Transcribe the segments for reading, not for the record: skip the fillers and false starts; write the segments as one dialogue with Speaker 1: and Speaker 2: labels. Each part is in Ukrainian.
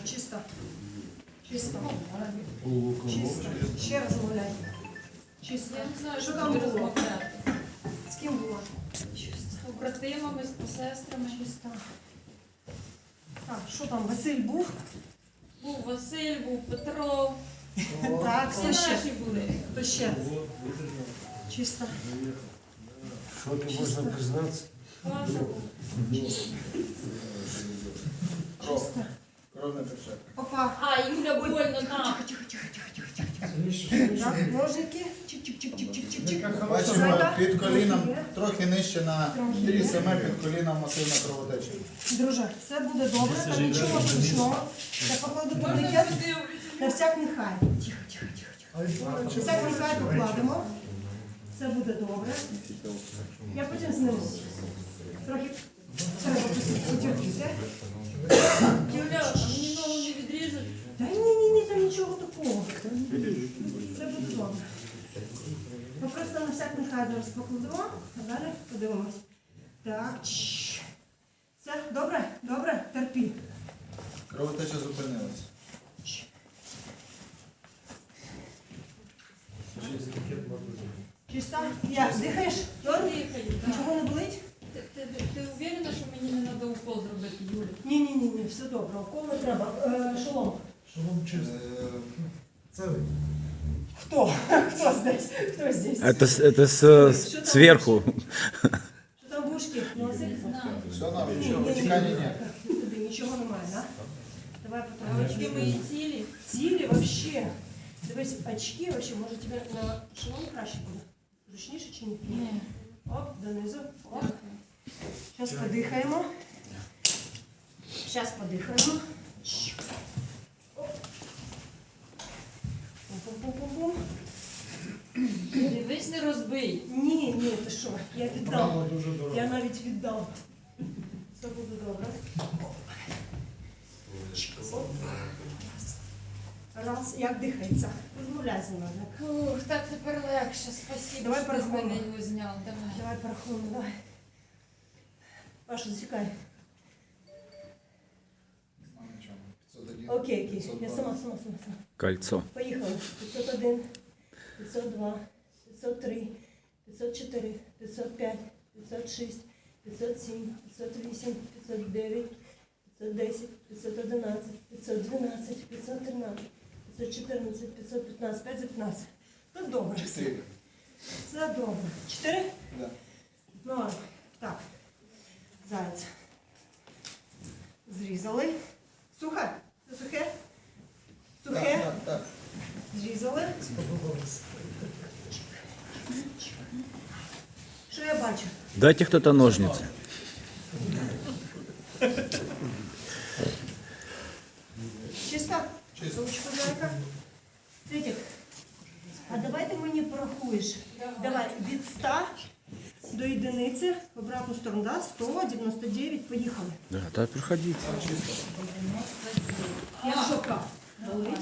Speaker 1: Чисто. Чисто. Чисто. Ще раз гуляй. Чисто.
Speaker 2: Я не знаю,
Speaker 1: Що
Speaker 2: що
Speaker 1: там
Speaker 2: тобі
Speaker 1: було?
Speaker 2: розмовляти.
Speaker 1: З ким було?
Speaker 2: З побратимами, з сестрами.
Speaker 1: Чисто. Так, що там, Василь був?
Speaker 2: Був Василь, був Петро.
Speaker 1: Так,
Speaker 2: Всі
Speaker 1: хто ще?
Speaker 2: наші були.
Speaker 1: Хто ще? Чисто.
Speaker 3: Что ты можно признаться?
Speaker 2: Паша був.
Speaker 1: Чисто.
Speaker 4: Кров не тече.
Speaker 1: Опа.
Speaker 2: А, Юля больно там.
Speaker 1: Тихо, тихо, тихо, тихо, тихо. Так, ножники. Чик-чик-чик-чик-чик-чик.
Speaker 4: Бачимо, під коліном трохи нижче на 3 см під коліном масивна кровотеча.
Speaker 1: Друже, все буде добре, там нічого страшного. Я покладу
Speaker 2: Можна
Speaker 1: турнікет.
Speaker 2: подивитися?
Speaker 1: На всяк нехай. Тихо, тихо, тихо, тихо. Всяк нехай покладемо. Все буде добре. Я потім зниму. Трохи треба потягнутися.
Speaker 2: Юля, а мені ногу не відріжуть?
Speaker 1: Та ні, там нічого такого. Все буде добре. Ми просто на всяк нехай зараз покладемо, а далі подивимось. Так, чш. Все, добре? Добре? Терпі.
Speaker 4: Кровотеча зупинилась.
Speaker 1: Чисто? Як, дихаєш? Добре?
Speaker 2: Дихаю, так.
Speaker 1: Нічого не болить?
Speaker 2: Ти уверена, що мені не треба укол зробити, Юля?
Speaker 1: Ні, все добре. Укол не треба. Шолом.
Speaker 3: Шалом чисто. Целый.
Speaker 1: Хто? Хто здесь? Хто здесь?
Speaker 5: Это сверху.
Speaker 1: Що там вушки? Носик?
Speaker 2: Не знаю.
Speaker 4: Все норм, нічого, витікання ні.
Speaker 1: Тобі нічого немає, так? Давай
Speaker 2: А очки
Speaker 1: потім.
Speaker 2: мої цілі.
Speaker 1: Цілі вообще. Дивись, очки вообще, може тебе на шолом краще буде? Зручніше чи ні?
Speaker 2: Ні.
Speaker 1: Оп, донизу. Оп.
Speaker 2: Дякую.
Speaker 1: Зараз подихаємо. Зараз подихаємо. Оп. Пум-пум-пум-пум.
Speaker 2: Дивись, не розбий.
Speaker 1: Ні, ти що, я віддав.
Speaker 3: Право дуже дорого.
Speaker 1: Я навіть віддав. Все буде добре. Оп. Раз, як дихається. Розмовляй зі мною.
Speaker 2: Ух, так тепер легше. Спасибо,
Speaker 1: Давай
Speaker 2: що ти з
Speaker 1: порахуємо.
Speaker 2: мене його зняв. Давай.
Speaker 1: Давай порахуємо, давай. Паша, засікай.
Speaker 4: Нічого. 501,
Speaker 1: Окей. Я
Speaker 4: 502.
Speaker 1: сама.
Speaker 5: Кольцо.
Speaker 1: Поїхали. 501, 502, 503, 504, 505, 506, 507, 508, 509, 510, 511, 512, 513, 514, 515, 5 за 15. Ну добре.
Speaker 4: 4.
Speaker 1: Все добре. 4?
Speaker 4: Да.
Speaker 1: Ну ладно. Так. Заяць. Зрізали. Сухе? Це сухе? Сухе?
Speaker 4: Так.
Speaker 1: Зрізали.
Speaker 3: Сподобалось.
Speaker 1: Що я бачу?
Speaker 5: Дайте кто-то ножницы.
Speaker 1: Чисто?
Speaker 4: Чисто.
Speaker 1: Ручку зайка. Світик, а давай ти мені порахуєш. Давай від 100 до єдиниці, в обратну сторону, да? 100, 99, поїхали.
Speaker 5: Да, так проходите.
Speaker 1: Як жопа? Болить?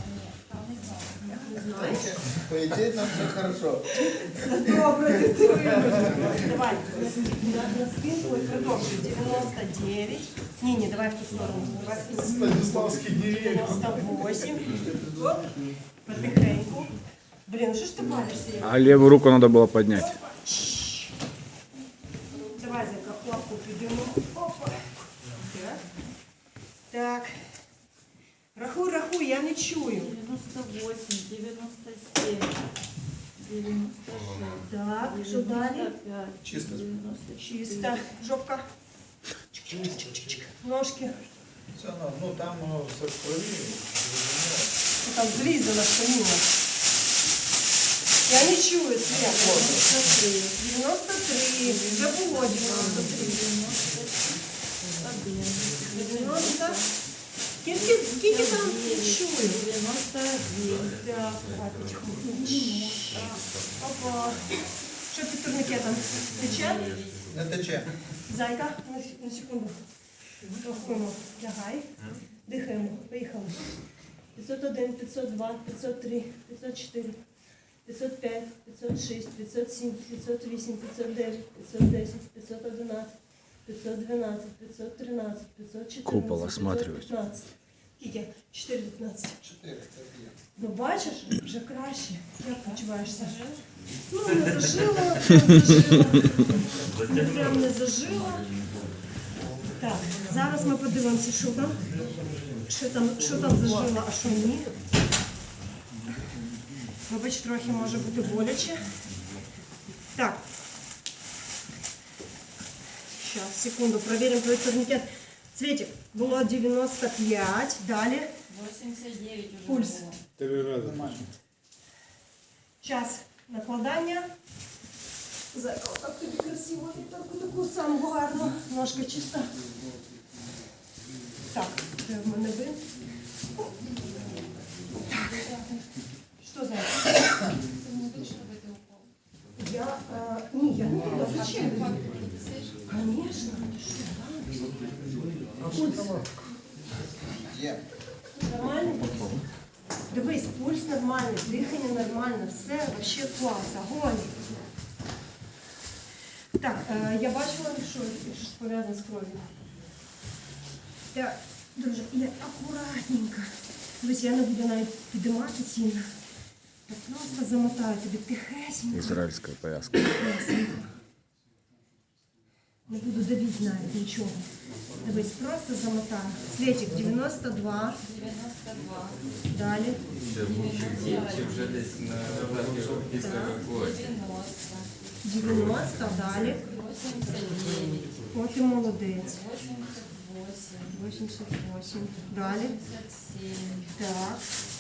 Speaker 1: Не знаєш?
Speaker 4: По ідеї нам все хорошо.
Speaker 1: Все добре, ти вибачиш. Давай, на спинку і продовжуй. 99. Ні, давай в ту сторону. Давай в ту сторону.
Speaker 3: Станиславский не верит.
Speaker 1: 98. Оп, потихеньку. Блін, ну що ж ти балишся?
Speaker 5: А левую руку надо было поднять.
Speaker 1: Давай за лапку підемо. Опа. Так. Рахуй, я не чую.
Speaker 2: 98, 97, 96.
Speaker 1: Так, що далі?
Speaker 2: 95,
Speaker 4: Чисто.
Speaker 2: 96.
Speaker 1: Чисто. Жопка. Чик-чик-чик-чик. Ножки.
Speaker 4: Все норм. Ну там все в крові.
Speaker 1: Що там зрізала штанина. Я не чую цвет. 93. Вже було 93. 90. Скільки там не чую?
Speaker 2: 91.
Speaker 1: Так, потихоньку. Опа. Що під турникетом? Тече?
Speaker 4: Не тече.
Speaker 1: Зайка, на секунду. Рахуємо. Лягай. Дихаємо. Поїхали. 501, 502, 503, 504, 505, 506, 507, 508, 509, 510, 511, 512, 513, 514,
Speaker 5: Купол осматриваюсь.
Speaker 1: 515. Скільки? 4,15.
Speaker 4: 4, це є.
Speaker 1: Ну бачиш, вже краще. Як почуваєшся? Ну, не зажило, не зажило. Не прям не зажило. Так, зараз ми подивимося, що там зажило, а що ні. Вибач, трохи може бути боляче. Так. Сейчас, секунду, проверим твой турникет. Цветик, было 95, далі.
Speaker 2: 89 уже
Speaker 1: Пульс.
Speaker 2: было.
Speaker 4: Нормально.
Speaker 1: Час накладання. Зеркало, так тобі красиво, таку саму гарну. Ножка чиста. Так, де в мене ви? Що за?
Speaker 2: Ты не будешь, чтобы ты упал?
Speaker 1: Я, я не буду. Зачем?
Speaker 2: Ты слышишь?
Speaker 1: Конечно. Ты что, да? Пульс
Speaker 4: Є.
Speaker 1: нормальний? Дивись, пульс нормальний, дихання нормальне, все вообще клас, огонь. Так, я бачила, що щось пов'язане з кров'ю. Так, друже, я акуратненько. Дивись, я не буду навіть підіймати сильно. Я просто замотаю тобі тихесенько.
Speaker 5: Израильская повязка.
Speaker 1: Тихесенько. Не буду давити навіть нічого. Дивись, просто замотаю. Світик, 92.
Speaker 2: 92.
Speaker 1: Далі.
Speaker 6: Вже десь на верхньому після евакуації.
Speaker 2: 90.
Speaker 1: 90, далі.
Speaker 2: 89.
Speaker 1: От і молодець.
Speaker 2: 88.
Speaker 1: 88. Далі.
Speaker 2: 87.
Speaker 1: Так.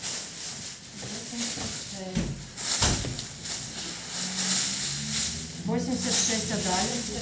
Speaker 2: 86.
Speaker 1: 86, а далі.